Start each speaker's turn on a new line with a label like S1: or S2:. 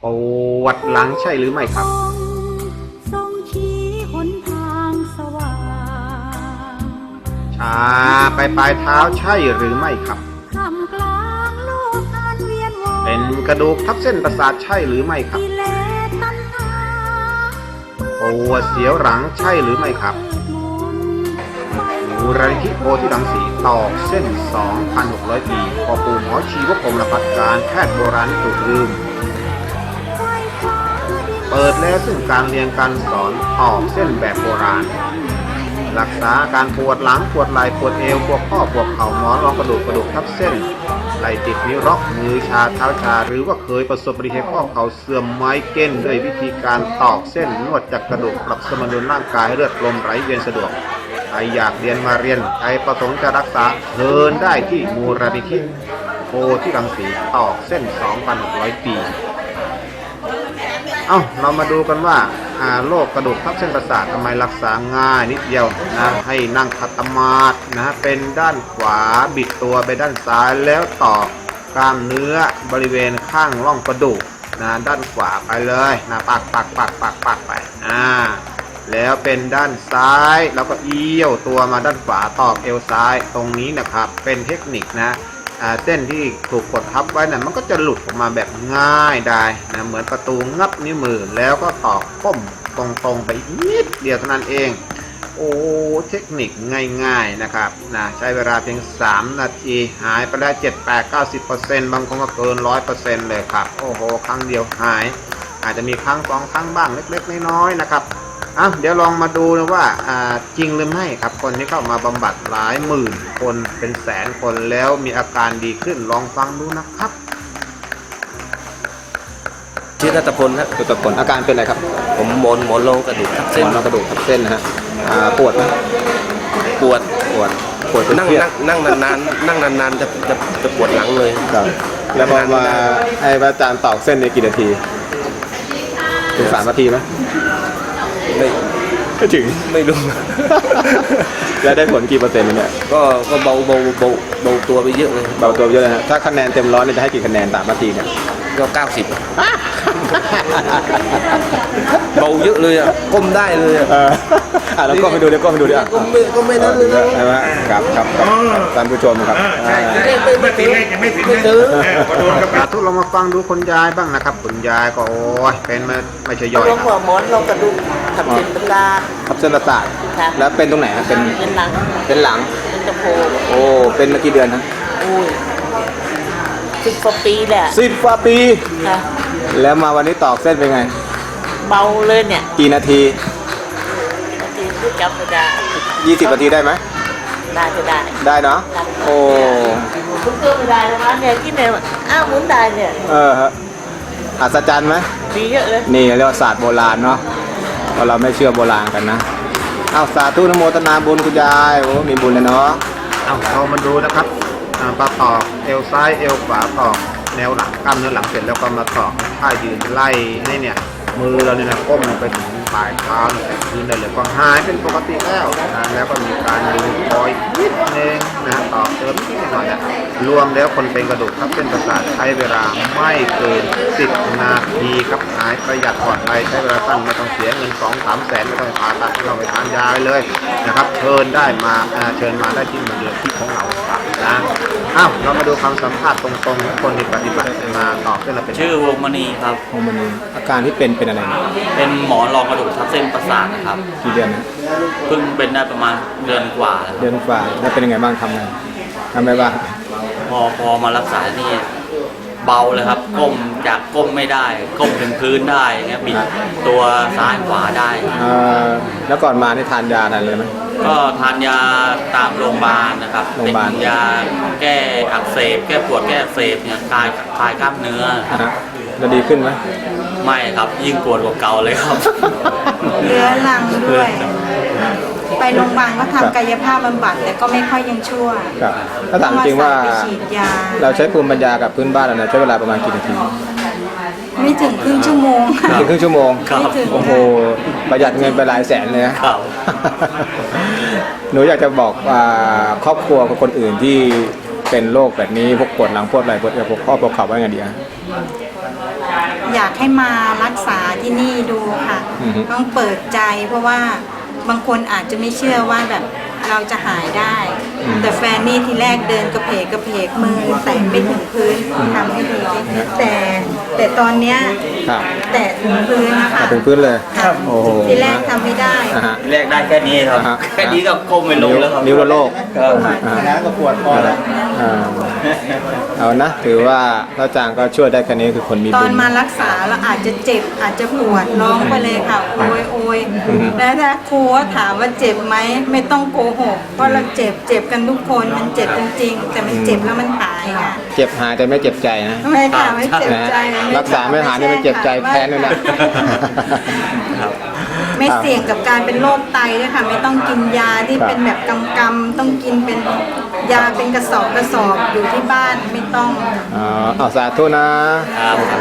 S1: ปวดหลังใช่หรือไม่ครับ
S2: ทรงชี้หนทางสว่าง
S1: ชาไปปลายเท้าใช่หรือไม่ครับ
S2: ท่ามกลางโลกอันเวียนว่าย
S1: เป็นกระดูกทับเส้นประสาทใช่หรือไม่ครับ
S2: กิเลสตัณหา
S1: ปวดเสียวหลังใช่หรือไม่ครับมูลนิธิโพธิรังสีตอกเส้น 2,600 ปีพอปู่หมอชีวพงศ์พัฒการแพทย์โบราณถูกลืมเปิดแล้วซึ่งการเรียนการสอนตอกเส้นแบบโบราณรักษาการปวดหลังปวดไหล่ปวดเอวปวดข้อปวดเข่าหมอนรองกระดูกทับเส้นไหล่ติดนิ้วล็อกมือชาเท้าชาหรือว่าเคยประสบอุบัติเหตุข้อเข่าเสื่อมไม้เก้นด้วยวิธีการตอกเส้นนวดจากกระดูกปรับสมดุลร่างกายเลือดลมไหลเวียนสะดวกใครอยากเรียนมาเรียนใครประสงค์จะรักษาเชิญได้ที่มูลนิธิโพธิรังสีตอกเส้น 2,600 ปีเรามาดูกันว่าโรคกระดูกทับเส้นประสาททำไมรักษาง่ายนิดเดียวนะให้นั่งขัดสมาธินะเป็นด้านขวาบิดตัวไปด้านซ้ายแล้วต่อกล้ามเนื้อบริเวณข้างร่องกระดูกนะด้านขวาไปเลยนะปักไปแล้วเป็นด้านซ้ายแล้วก็เอี้ยวตัวมาด้านขวาตอกเอวซ้ายตรงนี้นะครับเป็นเทคนิคนะเส้นที่ถูกกดทับไว้นะมันก็จะหลุดออกมาแบบง่ายได้นะเหมือนประตูงับนิ้วมือแล้วก็ตอกก้มตรงๆไปนิดเดียวเท่านั้นเองโอ้เทคนิคง่ายๆนะครับนะใช้เวลาเพียง3 นาทีหายไปได้ 7-8-90% บางคนก็เกิน 100% เลยครับโอ้โหครั้งเดียวหายอาจจะมีครั้ง2 ครั้งบ้างเล็กๆน้อยๆนะครับเดี๋ยวลองมาดูนะว่าจริงหรือไม่ครับคนที่เข้ามาบำบัดหลายหมื่นคนเป็นแสนคนแล้วมีอาการดีขึ้นลองฟังดูนะครับ
S3: ชื่อนัตพลครับ
S1: นัตพลอาการเป็นอะไรครับ
S3: ผมหมอนรองกระดูกทับเส้น
S1: กระดูกทับเส้นนะฮะปวดไหม
S3: ปวด
S1: นั่ง
S3: นานจะปวดหลังเลย
S1: ครับแล้วพอมาให้อาจารย์ตอกเส้นในกี่นาทีถึง3 นาทีไหมไม่ถึง
S3: ไม่รู้
S1: แล้วได้ผลกี่เปอร์เซ็นต์เนี่ย
S3: ก็เบาตัวไปเยอะเลย
S1: เบาตัวเยอะนะฮะถ้าคะแนนเต็ม100เนี่ยจะให้กี่คะแนน3 นาทีเนี่ย
S3: ก็90เบาเยอะเลยก้มได้เลย
S1: แล้วก็ไปดูเดี๋ยวก็ไปดูดิ
S3: ก็ไม่นั่นเลย
S1: ใช่ไหมครับท่านผู้ชมครับไม่ซื้อทุกเรามาฟังดูคุณยายบ้างนะครับคุณยายก็โอ้ยเป็นไม่ใช่ย่อย
S4: ลงหัวหมอนลงกระดูกทับเส้นประสาท
S1: ทับเส้นประสาทแล้วเป็นตรงไหนเป็น
S4: หลัง
S1: เป็น
S4: สะโพก
S1: โอ้เป็นมากี่เดือนนะ
S4: 10 กว่าปีแหละ
S1: 10 กว่าปีแล้วมาวันนี้ตอกเส้นเป็นไง
S4: เบาเลยเนี่ย
S1: กี่นาที
S4: ที่จำไม่ได้
S1: 20 นาทีได้ไหม
S4: น่าจะ
S1: ได้เนาะโอ้
S4: คุณเชื่อไม่ได้เลยนะเนี่ยที่เนี่ยหมุนได้เนี่ย
S1: ฮะอัศจรรย์ไหม
S4: ดีเยอะเลย
S1: นี่เรียกว่าศาสตร์โบราณเนาะเพราะเราไม่เชื่อโบราณกันนะสาธุนโมทนาบุญคุณยายโอ้มีบุญเลยเนาะเรามาดูนะครับปลาตอกเอวซ้ายเอวขวาตอกแนวหลังกล้ามเนื้อหลังเสร็จแล้วก็มาตอกท่ายืนไล่ให้เนี่ยมือเราเนี่ยนะก้มลงไปถึงปลายเท้าแต่พื้นได้เลยก็หายเป็นปกติแล้วแล้วก็มีการดึงคอยนิดนึงนะตอกเติมนิดหน่อยรวมแล้วคนเป็นกระดูกทับเส้นประสาทใช้เวลาไม่เกิน10 นาทีครับหายประหยัดปลอดภัยใช้เวลาสั้นไม่ต้องเสียเงิน 2-3 แสนไม่ต้องผ่าตัดเราไปทานยาเลยนะครับเชิญมาได้ที่มูลนิธิของเราครับนะเรามาดูคำสัมภาษณ์ตรงๆของคนที่ปฏิบัติมาตอบเส้นเราเป็น
S5: ชื่อวงมณีครับ
S1: วงมณีอาการที่เป็นอะไร
S5: เป็นหมอนรองกระดูกทับเส้นประสาทนะครับ
S1: กี่เดือนนะ
S5: เพิ่งเป็นได้ประมาณเดือนกว่า
S1: แล้วเป็นยังไงบ้างทำอะไรบ้าง
S5: พอมารักษานี่เบาเลยครับก้มไม่ได้ก้มถึงพื้นได้เงี้ยบิดตัวซ้ายขวาได้
S1: แล้วก่อนมาได้ทานยาอะไรเลยไหม
S5: ก็ทานยาตามโรงพยาบาลนะครับเป็นยาแก้อักเสบแก้ปวดแก้อักเสบเนี่ยคลายกล้ามเนื้อ
S1: แล้วดีขึ้นไหม
S5: ไม่ครับยิ่งปวดกว่าเก่าเลยครับ
S2: เรื้อรังด้วยไปโรงพยาบาลก็ทำกายภาพบำบัดแต่ก็ไม่ค่อยยังชั่ว
S1: ถ้าถามจริงว่าเราใช้ภูมิปัญญากับพื้นบ้านเราใช้เวลาประมาณกี่นาที
S2: ไม่ถึงครึ่งชั่วโมง
S1: ครึ่งชั่วโมงโอ้โหประหยัดเงินไปหลายแสนเลยนะหนูอยากจะบอกครอบครัวกับคนอื่นที่เป็นโรคแบบนี้พวกปวดหลังปวดไหล่ปวดเอวปวดข้อปวดเข่าว่าไงดี
S2: อยากให้มารักษาที่นี่ดูค่ะ
S6: อือฮึ
S2: ต้องเปิดใจเพราะว่าบางคนอาจจะไม่เชื่อว่าแบบเราจะหายได้ แต่แฟนนี่ทีแรกเดินกระเพกมือแตะไม่ถึงพื้นทำให้ดีแต่ตอนเนี้ย
S6: ครับ
S2: แตะถึงพื้นนะคะ
S6: ถึงพื้นเลย
S2: ค่ะ
S6: โอ้โห
S2: ทีแรกทำไม่ได้
S6: อ่าฮะ
S5: แรกได้แค่นี้ครับ
S6: อ่าฮะ
S5: แค่นี้ก็ก้มไม่ลงแล้วครับ
S6: นิ้วละโลก
S5: ครับ
S6: น้ำก็ปวดคอแล้วเอานะถือว่าพระอาจารย์ก็ช่วยได้แค่นี้คือคนมี
S2: ต
S6: บุ
S2: อน
S6: ญ
S2: มารักษาแล้วอาจจะเจ็บอาจจะปวดร้องไปเลยค่ะโอยแล้วถ้าครูถามว่าเจ็บไหมไม่ต้องโกหกเพราะเราเจ็บกันทุกคนมันเจ็บจริงๆแต่มันเจ็บแล้วมันหายค่ะ
S6: เจ็บหายแต่ไม่เจ็บใจนะ
S2: ไม่ค่ะไม่เจ็บ
S6: นะ
S2: ใจ
S6: รักษาไม่หายนี่มันเจ็บใจแค้นเลยนะ
S2: ไม่เสี่ยงกับการเป็นโรคไตด้วยค่ะไม่ต้องกินยาที่
S6: ครับ
S2: เป็นแบบกำๆต้องกินเป็นยาเป็นกระสอบอยู่ที่บ้านไม่ต้อง
S6: เอาสาธุนะ
S5: ครับ